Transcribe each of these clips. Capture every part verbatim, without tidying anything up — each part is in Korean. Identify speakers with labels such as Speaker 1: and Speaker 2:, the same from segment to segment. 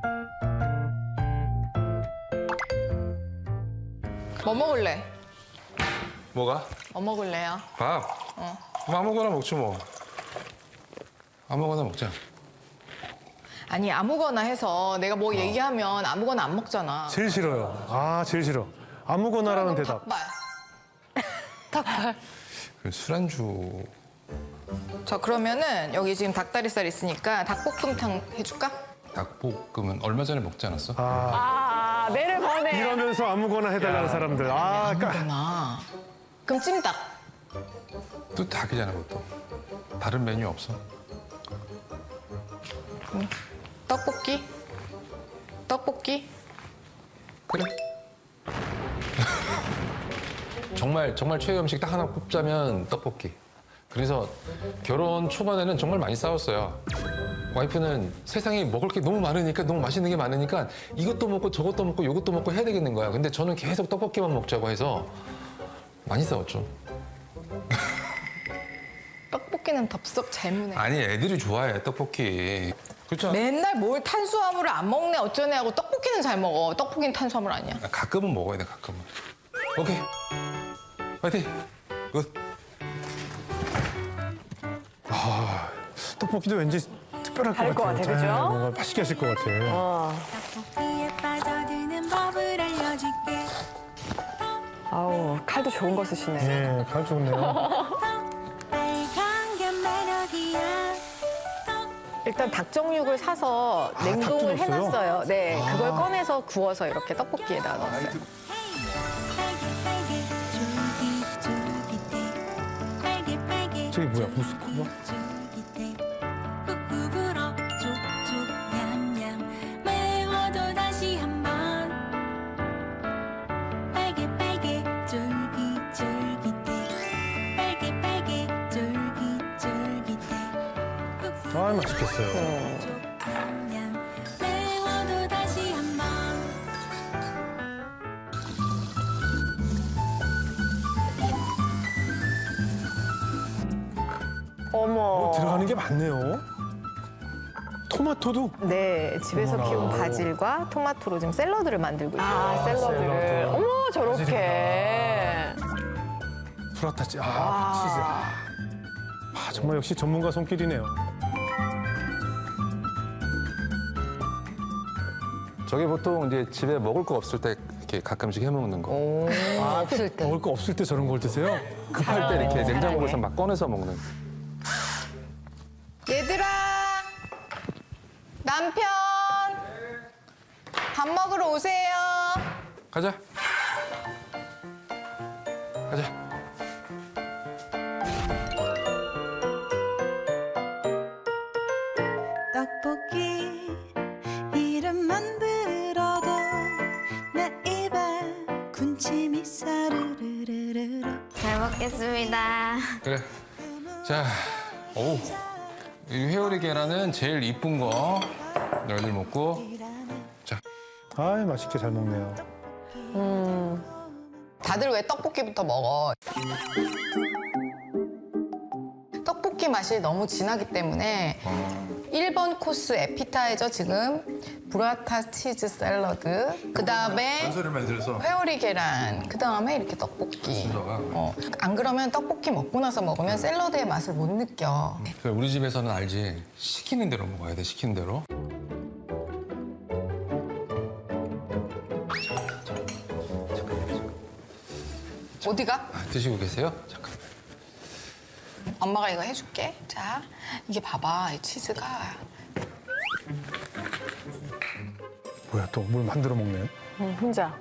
Speaker 1: 뭐 먹을래?
Speaker 2: 뭐가?
Speaker 1: 뭐 먹을래요?
Speaker 2: 밥?
Speaker 1: 어.
Speaker 2: 뭐 아무거나 먹지 뭐. 아무거나 먹자.
Speaker 1: 아니 아무거나 해서 내가 뭐 얘기하면 아무거나 안 먹잖아.
Speaker 3: 제일 싫어요. 아, 제일 싫어. 아무거나라는 대답.
Speaker 1: 닭발. 닭발.
Speaker 2: 그 술안주.
Speaker 1: 자 그러면은 여기 지금 닭다리살 있으니까 닭볶음탕 해줄까?
Speaker 2: 닭볶음은 얼마 전에 먹지 않았어?
Speaker 3: 아,
Speaker 4: 아, 매를 버네.
Speaker 3: 이러면서 아무거나 해달라는 사람들. 아, 까.
Speaker 1: 아무거나. 그럼 찜닭.
Speaker 2: 또 닭이잖아, 그것도. 다른 메뉴 없어?
Speaker 1: 떡볶이. 떡볶이.
Speaker 2: 그래. 정말 정말 최애 음식 딱 하나 꼽자면 떡볶이. 그래서 결혼 초반에는 정말 많이 싸웠어요. 와이프는 세상에 먹을 게 너무 많으니까 너무 맛있는 게 많으니까 이것도 먹고 저것도 먹고 이것도 먹고 해야 되겠는 거야. 근데 저는 계속 떡볶이만 먹자고 해서 많이 싸웠죠.
Speaker 1: 떡볶이는 덥석 잘무네.
Speaker 2: 아니 애들이 좋아해 떡볶이. 그렇죠?
Speaker 1: 맨날 뭘 탄수화물을 안 먹네 어쩌네 하고 떡볶이는 잘 먹어. 떡볶이는 탄수화물 아니야.
Speaker 2: 가끔은 먹어야 돼 가끔은. 오케이. 파이팅. 굿.
Speaker 3: 떡볶이도 왠지 특별할 것
Speaker 4: 다를 것
Speaker 3: 같아요.
Speaker 4: 같아, 그죠?
Speaker 3: 네, 뭔가 맛있게 하실 것 같아.
Speaker 4: 어.
Speaker 5: 떡볶이에 빠져드는 법을 알려줄게.
Speaker 4: 아우, 칼도 좋은 거 쓰시네.
Speaker 3: 예, 갈 좋네요.
Speaker 5: 빨간 게 매력이야.
Speaker 4: 일단 닭정육을 사서
Speaker 3: 아,
Speaker 4: 냉동을
Speaker 3: 닭도 넣었어요?
Speaker 4: 해놨어요. 네, 그걸 꺼내서 구워서 이렇게 떡볶이에다 넣었어요.
Speaker 5: 빨개 빨개 쫄깃쫄깃해. 빨개 빨개
Speaker 3: 저기 뭐야, 무스코바?
Speaker 5: 쫄깃쫄깃해. 훅훅 불어 족족 냠냠. 매워도 다시 한번. 빨개 빨개 쫄깃쫄깃해. 빨개 빨개 쫄깃쫄깃해.
Speaker 3: 아, 맛있겠어요.
Speaker 5: 냠냠. 매워도 다시 한번.
Speaker 4: 어머.
Speaker 3: 들어가는 게 많네요. 토마토도
Speaker 4: 네, 집에서
Speaker 3: 어머나.
Speaker 4: 키운 바질과 토마토로 지금 샐러드를 만들고 있어요. 아,
Speaker 3: 샐러드를.
Speaker 4: 샐러드를. 어머, 저렇게.
Speaker 3: 프라타치, 아, 치즈. 아, 정말 역시 전문가 손길이네요.
Speaker 2: 저게 보통 이제 집에 먹을 거 없을 때 이렇게 가끔씩 해 먹는 거.
Speaker 3: 아, 없을 때. 먹을 거 없을 때 저런 걸 드세요?
Speaker 2: 급할 때 이렇게 냉장고에서 막 꺼내서 먹는.
Speaker 1: 얘들아 남편 밥 먹으러 오세요.
Speaker 2: 가자. 가자.
Speaker 5: 떡볶이 이름만 들어도 내 입에 군침이 사르르르르.
Speaker 6: 잘 먹겠습니다.
Speaker 2: 그래. 자, 오. 이 회오리 계란은 제일 이쁜 거. 너희들 먹고. 자,
Speaker 3: 아, 맛있게 잘 먹네요.
Speaker 1: 다들 왜 떡볶이부터 먹어? 떡볶이 맛이 너무 진하기 때문에 일 번 코스 에피타이저 지금 브라타 치즈 샐러드 그 다음에
Speaker 2: 소리만 들어서.
Speaker 1: 회오리 계란 그 다음에 이렇게 떡볶이
Speaker 2: 순서가.
Speaker 1: 어, 안 그러면 떡볶이 먹고 나서 먹으면 샐러드의 맛을 못 느껴.
Speaker 2: 우리 집에서는 알지. 시키는 대로 먹어야 돼. 시키는 대로.
Speaker 1: 어디가?
Speaker 2: 아, 드시고 계세요? 잠깐.
Speaker 1: 엄마가 이거 해줄게. 자, 이게 봐봐, 이 치즈가.
Speaker 3: 뭐야, 또 뭘 만들어 먹네요?
Speaker 4: 음, 혼자.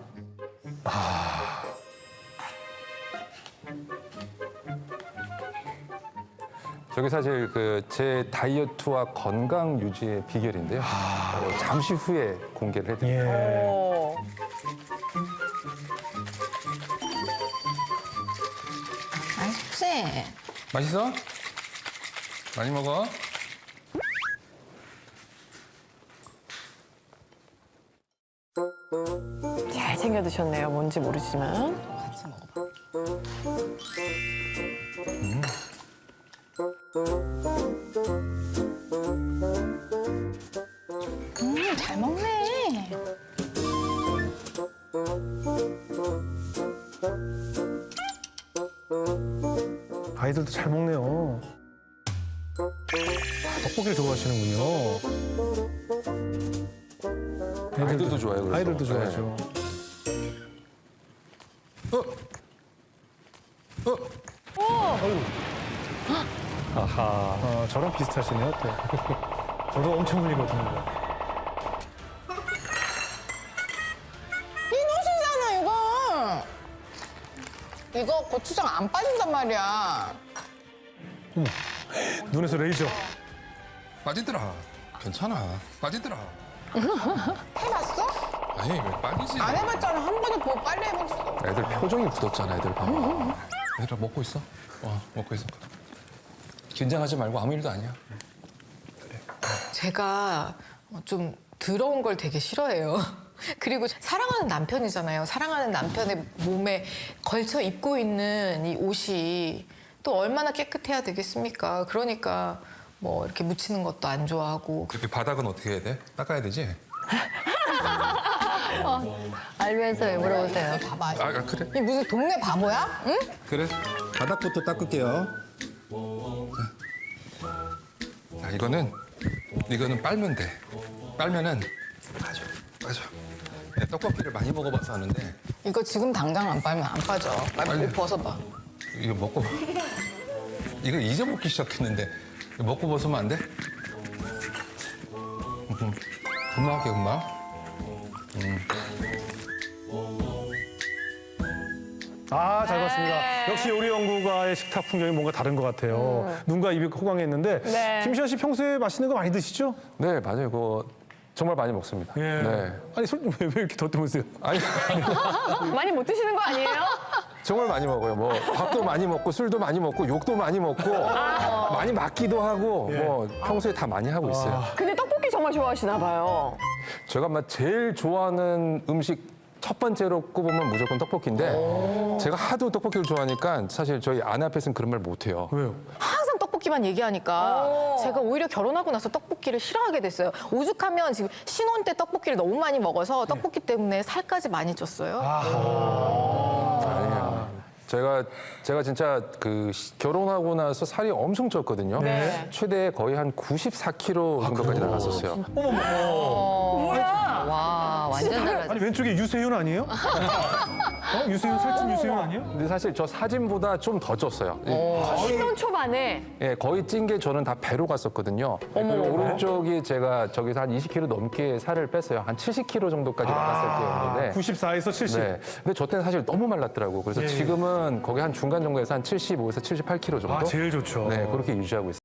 Speaker 2: 저게 사실 그 제 다이어트와 건강 유지의 비결인데요. 어, 잠시 후에 공개를 해드릴게요.
Speaker 3: 예.
Speaker 4: 오.
Speaker 1: 맛있지?
Speaker 2: 맛있어? 많이 먹어.
Speaker 4: 잘 챙겨 드셨네요. 뭔지 모르지만.
Speaker 1: 같이 먹어봐. 음, 잘 먹네. 그만해.
Speaker 3: 아이들도 잘 먹네요. 아, 떡볶이를 좋아하시는군요.
Speaker 2: 아이들도 좋아해요, 그래서.
Speaker 3: 아이들도 좋아하죠.
Speaker 2: 어? 어?
Speaker 3: 아하. 어, 저랑 비슷하시네요, 또. 저도 엄청 흘리거든요.
Speaker 1: 이노시잖아 이거. 이거 고추장 안 빠진단 말이야.
Speaker 3: 눈에서 레이저.
Speaker 2: 빠지더라. 괜찮아. 빠지더라.
Speaker 1: 해봤어?
Speaker 2: 아니, 왜 빠지지?
Speaker 1: 안 해봤잖아. 한 번에 보고 빨리 해봤어.
Speaker 2: 애들 표정이 굳었잖아, 애들 봐봐. 얘들아, 먹고 있어. 와, 먹고 있어. 긴장하지 말고 아무 일도 아니야.
Speaker 1: 제가 좀 더러운 걸 되게 싫어해요. 그리고 사랑하는 남편이잖아요. 사랑하는 남편의 몸에 걸쳐 입고 있는 이 옷이 또 얼마나 깨끗해야 되겠습니까? 그러니까 뭐 이렇게 묻히는 것도 안 좋아하고.
Speaker 2: 그 바닥은 어떻게 해야 돼? 닦아야 되지?
Speaker 4: 알면서 왜 물어보세요?
Speaker 1: 봐봐.
Speaker 2: 아, 아, 그래?
Speaker 1: 이 무슨 동네 바보야? 응?
Speaker 2: 그래.
Speaker 7: 바닥부터 닦을게요.
Speaker 2: 자, 이거는, 이거는 빨면 돼. 빨면은 빠져, 빠져. 네, 떡볶이를 많이 먹어봐서 아는데,
Speaker 1: 이거 지금 당장 안 빨면 안 빠져. 빨리
Speaker 2: 빨리.
Speaker 1: 옷 벗어봐.
Speaker 2: 이거 먹고, 이거 이제 먹기 시작했는데, 이거 먹고 벗으면 안 돼? 음, 금방 할게, 금방.
Speaker 3: 아, 잘 봤습니다. 역시 요리 연구가의 식탁 풍경이 뭔가 다른 것 같아요. 눈과 입이 호강했는데
Speaker 4: 네.
Speaker 3: 김시현 씨 평소에 맛있는 거 많이 드시죠?
Speaker 2: 네, 맞아요. 그거 정말 많이 먹습니다.
Speaker 3: 예.
Speaker 2: 네.
Speaker 3: 아니, 솔- 왜, 왜 이렇게 덧대면서요?
Speaker 2: 아니,
Speaker 4: 많이 못 드시는 거 아니에요?
Speaker 2: 정말 많이 먹어요. 뭐 밥도 많이 먹고 술도 많이 먹고 욕도 많이 먹고 많이 맞기도 하고 뭐 평소에 다 많이 하고 있어요.
Speaker 4: 근데 떡볶이 정말 좋아하시나 봐요.
Speaker 2: 제가 막 제일 좋아하는 음식 첫 번째로 꼽으면 무조건 떡볶이인데 제가 하도 떡볶이를 좋아하니까 사실 저희 아내 앞에서는 그런 말 못해요.
Speaker 3: 왜요?
Speaker 4: 항상 떡볶이만 얘기하니까 제가 오히려 결혼하고 나서 떡볶이를 싫어하게 됐어요. 오죽하면 지금 신혼 때 떡볶이를 너무 많이 먹어서 떡볶이 때문에 살까지 많이 쪘어요.
Speaker 2: 아니에요. 제가 제가 진짜 그 시- 결혼하고 나서 살이 엄청 쪘거든요.
Speaker 4: 네.
Speaker 2: 최대 거의 한 구십사 킬로그램 정도까지 나갔었어요.
Speaker 4: 와, 완전 달라져.
Speaker 3: 아니, 왼쪽에 유세윤 아니에요? 어? 유세윤, 살찐 유세윤 아니에요?
Speaker 2: 근데 사실 저 사진보다 좀 더 쪘어요.
Speaker 4: 신혼 초반에
Speaker 2: 예, 거의 찐 게 저는 다 배로 갔었거든요. 그리고 오른쪽이 제가 저기서 한 이십 킬로그램 넘게 살을 뺐어요. 한 칠십 킬로그램 정도까지 나갔을 때였는데.
Speaker 3: 구십사에서 칠십.
Speaker 2: 네. 근데 저 때는 사실 너무 말랐더라고요. 그래서
Speaker 3: 예, 예.
Speaker 2: 지금은 거기 한 중간 정도에서 한 칠십오에서 칠십팔 킬로그램 정도?
Speaker 3: 아, 제일 좋죠.
Speaker 2: 네, 그렇게 유지하고 있어요.